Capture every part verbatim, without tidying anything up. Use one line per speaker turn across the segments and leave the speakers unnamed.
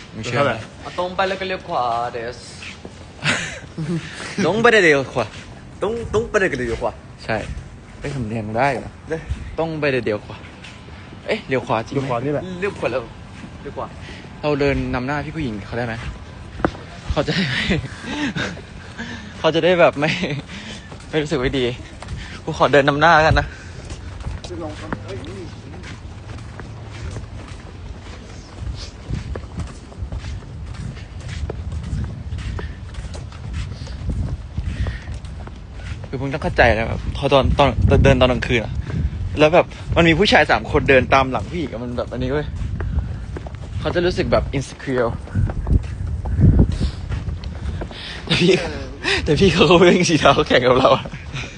มึงเชื่อไหม
ตรงไปแล้วก็เลี้ยวขวาเดส
ตรงไปได้เดียวขวา
ต้องต้องไปเลยก็เลี้ยวขวา
ใช่ได้คำเนียนได้เหรอต้องไปได้เดียวขวาเอ๊ะเลี้ยวขวาจริง
ดู
ไหม
ขวานี่แหละ
เลี้ยวขวาแล้วเลี้ยวขวา
เราเดินนำหน้าพี่ผู้หญิงเขาได้ไหมเขาจะได้ไม่ เขาจะได้แบบไม่ไม่รู้สึกไม่ดีกูขอเดินนำหน้าแล้วกันนะคือมึงต้องเข้าใจนะแบบพอตอนตอนตอนเดินตอนกลางคืนอะแล้วแบบมันมีผู้ชายสามคนเดินตามหลังผู้หญิงอะมันแบบอันนี้เว้ยเขาจะรู้สึกแบบ insecure แต่พี่แต่พี่เขาก็เพิ่งสีเท้าแข่งกับเราอะ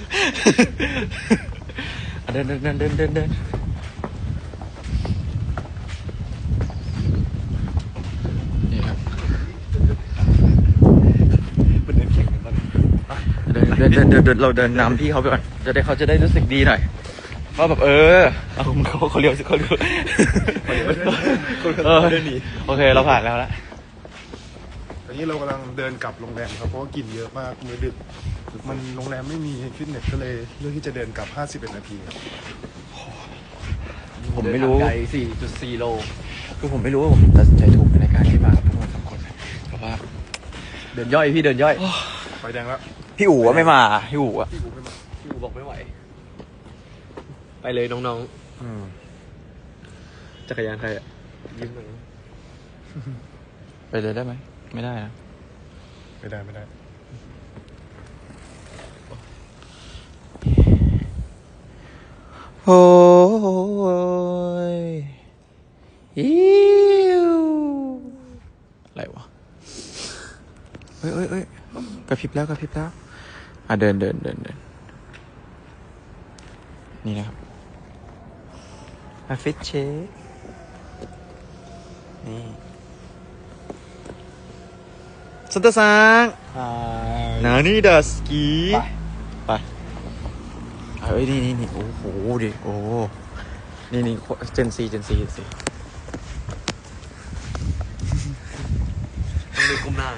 เดินเดินเดินเดินเดินเดินนี่ครับ
เป็นเดินแข่งกันตอนนี้
เดินเดินเดินเดินเดินเราเดินนำพี่เขาไปก่อนจะได้เขาจะได้รู้สึกดีหน่อยว่าแบบเออเอาเขาเขาเลี้ยวสิเขาเลี้ยวเออโอเคเราผ่านแล้วละ
ตอนนี้เรากำลังเดินกลับโรงแรมครับเพราะว่ากินเยอะมากมื้อดึกมันโรงแรมไม่มีฟิตเนสก็เลยเลือกที่จะเดินกลับห้าสิบเอ็ดนาทีครับ
ผมไม่รู้
ไกล สี่จุดสี่ โล
คือผมไม่รู้ว่าผมตัดสินใจถูกในการที่มากับพวกมันสองคนเพราะว่า
เดินย่อยพี่เดินย่อย
ไฟแดงแล้ว
พี่อู๋อะไม่มาพี่อู๋อะ
พี่กูไม่มา
พี่อูบอกไม่ไหวไปเลยน้อง
อืม
ๆจักรยานใครอ่ะยืมหน่อย
ไปเลยได้ไหมไม่ได้นะ
ไม่ได้ไม่ได้
โอ้ยอิวอะไรวะเอ้ยเอ้ยเอ้ยกระพริบแล้วกระพริบแล้วอ่ะเดินเดินเดินเดินนี่นะครับมาฟิตเชคนี่ซันตาซังนานี่ดัสกี้ไปเฮ้ยนี่นี่นี่โอ้โหดิโอ้นี่นี่เจนซีเจนซีเจนซี
ต้องดูก้มหน้า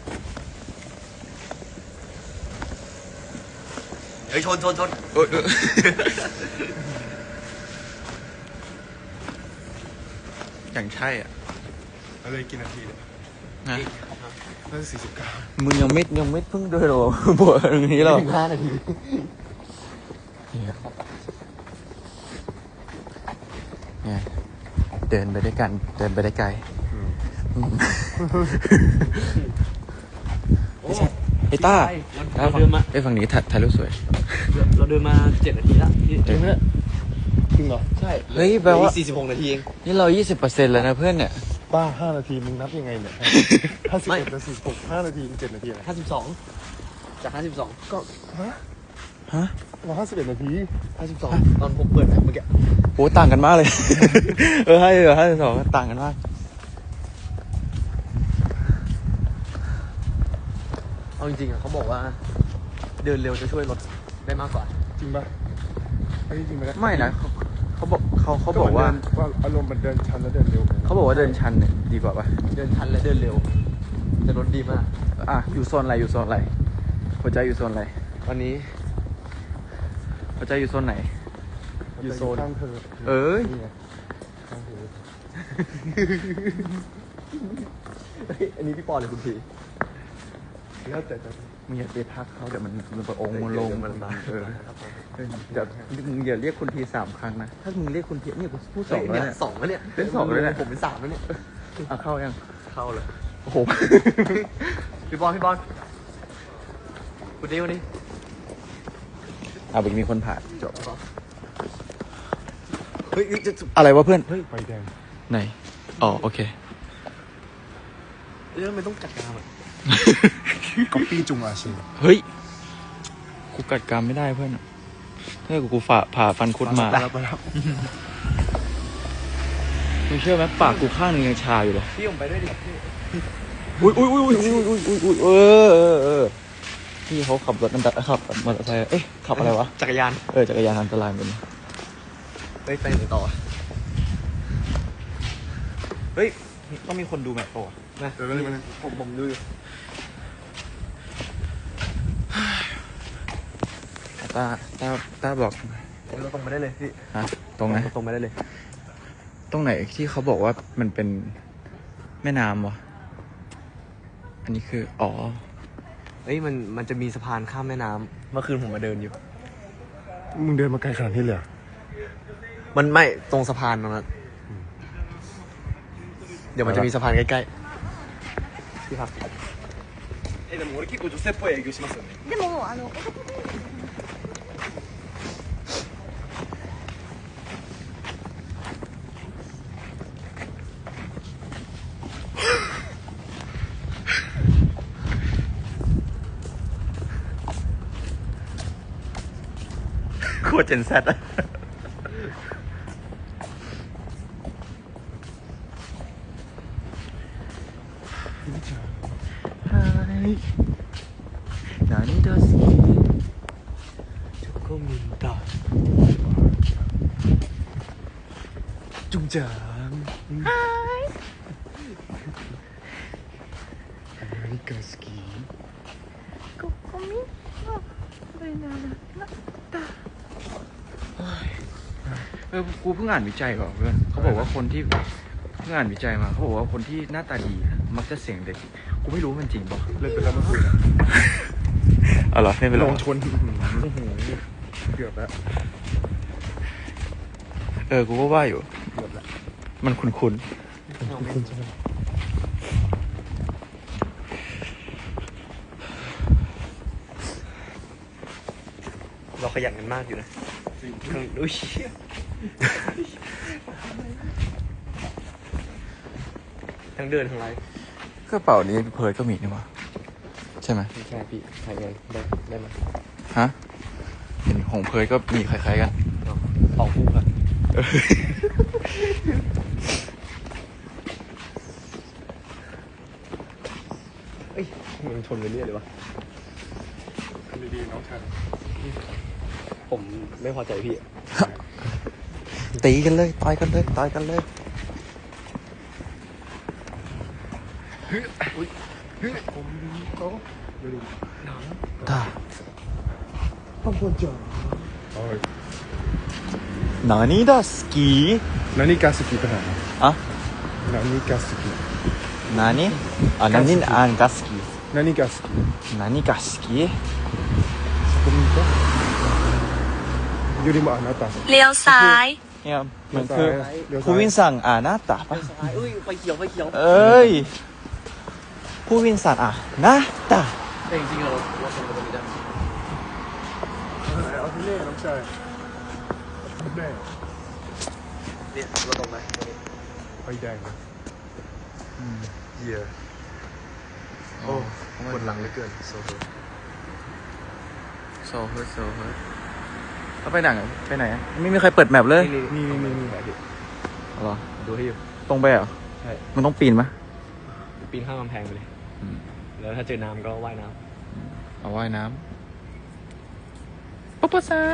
เฮ้ยชนชนชน
เอ้ยเอ้ยอย่างใช่อ่ะ
เราเลยกินนาทีเลย
นะ
น่าจะสี่สิบเก้า
มึงยังไม่ยังไม่เพิ่งเดินหรอ บวชตรงนี้หรอ
ถึงห้านาที
เนี่ยเนี่ยเดินไปด้วยกันเดินไปได้ไกลไม่ใช่ไอ้ต้า
เราเดินมา
ไอ้ฝั่งนี้ถ่ายถ่ายรูปสวย
เราเดินมาเจ็ดนาทีแล้วจริงไหมเนี่ย
จริงเหรอ
ใช่
เฮ้ยแปลว่า
สี่สิบหกนาทีเอง
นี่เรายี่สิบเปอร์เซ็นต์แล้วนะเพื่อนเนี่ย
บ้าห้านาทีมึงนับยังไงเนี่ยห้าสิบเอ็ดกับสี่สิบหกห้านาทีเจ็ดนาทีอะไร
ห้าสิบสองจากห้าสิบสอง
ก็ฮะ
ฮะ
เราห้าสิบเอ็ดนาที
ห้าสิบสองตอนผมเปิดแบบเมื่อกี้
โหต่างกันมากเลย เออให้เออให้สองต่างกันมาก
เอาจริงๆอ่ะเขาบอกว่า เดินเร็วจะช่วยลดได้มากกว่า
จริงปะไอ้จริงไหม
ไม่นะเขาเขาบอกเขาเขาบอกว่า
ว่าอารมณ์มันเดินชันแล้วเดินเร็วไง
เขาบอกว่าเดินชันเนี่ยดีกว่าปะ
เดินชันและเดินเร็ว จะลดดีมาก
อ่ะอยู่โซนอะไรอยู่โซนอะไรหัวใจอยู่โซนอะไร
วันนี้
หัวใจอยู่โซนไหน
อยู่โซน
ข้างเธอ
เอ้ย
นี่ไงข้างเธอ
เฮ้ยอันนี้พี่ปอหรือคุณพี
แล้วแต่จะ
มึงอย่าไปทักเขาเดี๋ยวมันมันไปองค์มันลง
เดี๋ยวมั
มัน
นมา
เออเออเดี๋ยวมึงอย่าเรียกคุณทีสามครั้งนะถ้ามึงเรียกคุณทีเนี่ยกูพูดส
ส
อ
อง ง
แล้ว
เนี่ย
เนี่ย
สองแล้วเนี่ย
เป็นสองแล้วเนี่ย
ผมเป็นสามแล้วเนี่ย
อ่ะเข้ายัง
เข้าเลย
โอ้โห
พี่บอลพี่บอลคุณดิวนี่
เอาอีกมีคนผ่านจบ
เฮ้ยจะ
อะไรวะเพื่อน
เฮ้ยไฟแดง
ไหนอ๋อโอเค
เรื่องไม่ต้องจัดการอ่ะ
ก๊อปปี้จุงอาชี
เฮ้ยกูกัดกรรมไม่ได้เพื่อนถ้ากูกูฝ่าผ่าฟันคุดมา
ไปแล้วไปแล้ว
มึงเชื่อไหมปากกูข้างหนึงยังชาอยู่เลย
พี่ผมไปด้วยดิพี่
อุ้ยอุ้ยอุ้ยอุ้ยอุ้ยอุ้ยอุ้ยเออเออเออพี่เขาขับรถอันตรายขับมอเตอร์ไซค์เอ๊ะขับอะไรวะ
จักรยาน
เออจักรยานอันตรายเหมือนกัน
ไปไปไหนต่อเฮ้ย
ต้องมีคนดูแมตช์ป่ะ
นะ
เดี๋ยวแป๊บนึงแป๊บนึง
ผมผมดูอยู่
ตาตาตาบอก
เราตรงไปได้เลยพี่
ฮะตรงไหน
ตรงไปได้เลย
ตรงไหนที่เขาบอกว่ามันเป็นแม่น้ำวะอันนี้คืออ๋อ
เอ้ยมันมันจะมีสะพานข้ามแม่น้ำเมื่อคืนผมมาเดินอยู่
มึงเดินมาไกลขนาดนี้เลยเหรอ
มันไม่ตรงสะพานตรงนั้นเดี๋ยวมันจะมีสะพานใกล้ๆพี่ครับ
えでも俺結構女性っぽい営業しますよね
でもあの男の人
โคตรเจนแซดอะ何だ好き
จุกก็มินตาจุงจาง
何が好き
ここみはこれならなった
เออกูเพิ่งอ่านวิจัยก่อนเพื่อนเขาบอกว่าคนที่เพิ่งอ่านวิจัยมาเขาบอกว่าคนที่หน้าตาดีมักจะเสียงเด็กกูไม่รู้มันจริงป่ะ
เล่นไปแล้วเมื่อคืนอะ
อ๋อเหรอไม่เป็นไร
ลงชนเกือบแล้ว
เออกูก็ว่าอยู่
เกือบแล้ว
มันคุ้น
คุณใช่ไหม
เราขยันกันมากอยู่นะทั้งอุ้ยทั้งเดินทั้งไลฟ์
ๆกระเป๋านี้เพิร์ดก็มีนี่วะใช่ไหม
ไม่ใช่พี่ถ่ายเงินได้ได้ไหม
ฮะเห็นของเพิร์ดก็มีคล้ายๆกัน
สองคู่ครับเอ้ยมันชนไปเรื่อยเลยวะ
ทำดีๆน้องชาย
ผมไม่พอใจพี่
ตีกันเลยต่อยกันเลยต่อยกันเลย
ผมเขาเดี๋ยวดู
ตา
ต้องควรจอดโอ้ย
何だ好き
何が好きかな
あ
何が好き
何あ何あが好き
何が好き
何が好き
そこにいたよりもあなた
เลี้ยวซ้าย
เนี่ยมันคือ
เดี๋ยวซ้าย
ผู้วินสั่งอ่าหน้าตาปะ
เอ้ยไฟเขียวไฟเขียว
เอ้ยผู้วินสั่งอ่ะหน้าตา
แต่จริงๆเราเราชนกันตรงนี้ได้
เอาที่เล่น้องชายแม่
เนี่ยเราตรงไหมตรงนี้
ไฟแดงนะ
เยี่ยโอ้ปวดหลังเหลือเกินโซโซ
โซเฮิร์ตโซเฮิร์ตเขาไปไหนอะไปไหนอะไม่มีใครเปิดแมปเลย
นี่นี่นี่นี่นี่
เหรอ
ดูให้อยู่
ตรงไปเหรอ
ใช่
มันต้องปีนไหม
ปีนข้ามกำแพงไปเลย
อืม
แล้วถ้าเจอน้ำก็ว่ายน้
เอาว่ายน้ำปุ๊บปุ๊บซา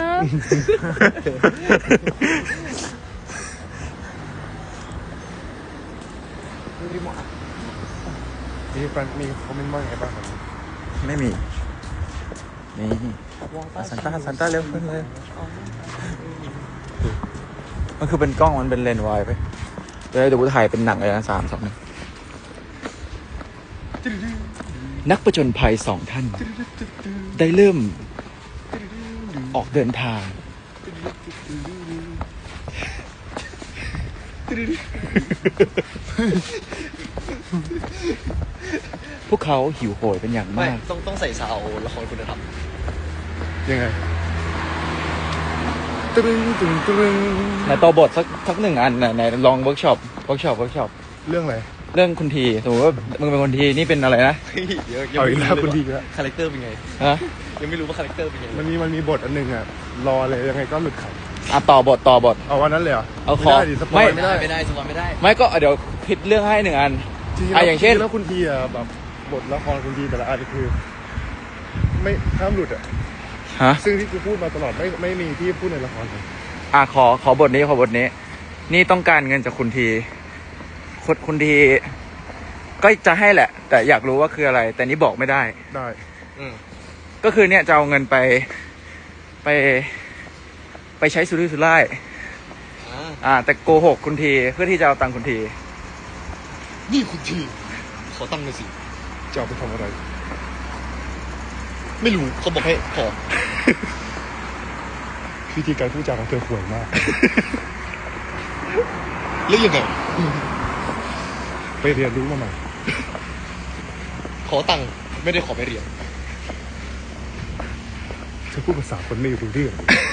มีแฟนมีคอมเมนต์ว่าไงบ้างครับ
ไม่มี นี่อ่ะซันต้าซันต้าเร็วขึ้นเลย มันคือเป็นกล้องมันเป็นเลนส์ไวด์ไปเดี๋ยวเดี๋ยวกูถ่ายเป็นหนังเลยนะสามสองหนึ่งนักประจนภัยสองท่าน ได้เริ่มออกเดินทาง พวกเขาหิวโหยเป็นอย่าง
ำไม่
มาก
ต้องต้องใส่ซาวละครคุณธรรม
ยังไงตึ้งตึ้งตึ้ง
ไหนตัวบทสักสักหนึ่งอันไหนไหนลองเวิร์กช็อปเวิร์กช็อปเวิร์กช็อป
เรื่องอะไร
เรื่องคุณทีสมมติว่ามึงเป็นคนทีนี่เป็นอะไรนะ
เดี๋ยว
เอาอีกแล้วคุณดีแล้ว
คาแรคเตอร์เป็นไง
ฮะ
ยังไม่รู้ว่าคาแรคเตอร์เป็นไง
มันมีมันมีบทอันหนึ่งอ่ะ รอเลยยังไงก็หลุดขำ
อ่ะต่อบทต่อบท
เอาวันนั้นเลยเหรอ
เอาขอ
ไม่ได้ดิสปอย
ไม่
ไม่ได้
ไม่ได้สปอยไม่ได้
ไม่ก็เดี๋ยวผิดเรื่องให้หนึ่งอัน
จริงๆ
อ่ะ
แล้ว
อย่างเช่น
จริๆแล้วคุณทีอ่ะแบบบทละครคุณทีแต่ละอันคือ ไม่ห้ามหลุดอ่ะ
ฮะ
ซึ่งที่กูพูดมาตลอดไม่ไม่มีที่พูดในละครเลย
อ่ะขอขอบทนี้ขอบทนี้ นี่ต้องการเงินจากคุณที คคนคนทีก็จะให้แหละ แต่อยากรู้ว่าคืออะไร แต่นี้บอกไม่ได้
ได้
อืม
ก็คือเนี่ยจะเอาเงินไปไป ไปใช้สุรุ่ยสุร่าย
อ่า
อ่า แต่โกหกคุณทีเพื่อที่จะเอาตังค์คุณที
นี่คุณทีขอตั้งหน่อยสิ
จะเอาไปทำอะไร
ไม่รู้เขาบอกให้ขอ
วิธีการพูดจาของเธอห่วยมาก
แล้วยังไง
ไปเรียนรู้มาใหม่
ขอตังค์ไม่ได้ขอไปเรียน
เธอพูดภาษาคนไม่รู้เรื่อง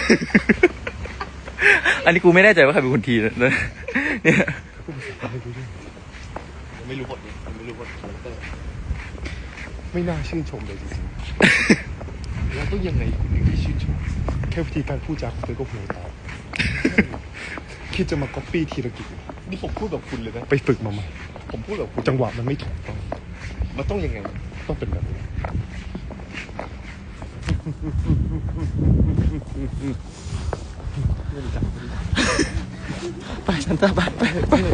อันนี้กูไม่แน่ใจว่าใครเป็นคุณทีนะเนี่ย
พูดภาษาคนไม่รู้เรื่อง
ยังไม่รู้บทนี้ยังไม่รู้บทคาแรคเตอร์
ไม่น่าชื่นชมเลยจริง
แล้วต้องยังไงคุณถึงได้ชื่นชม
ๆ แค่วิธีการพูดจาของเธอก็ห่วยตามคิดจะมาก๊อปปี้ธีรกิจ
นี่ผมพูดแบบคุณเลยนะ
ไปฝึกมาใหม่
ผมพูดแบบคุณ
จังหวะมันไม่ถูกต้อง
มันต้องยังไง
ต้องเป็นแบบนี้
ไปฉันจะไปไปไปไป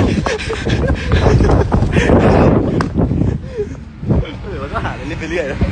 เออมันก็หาอะไรเล่นไปเรื่อยนะ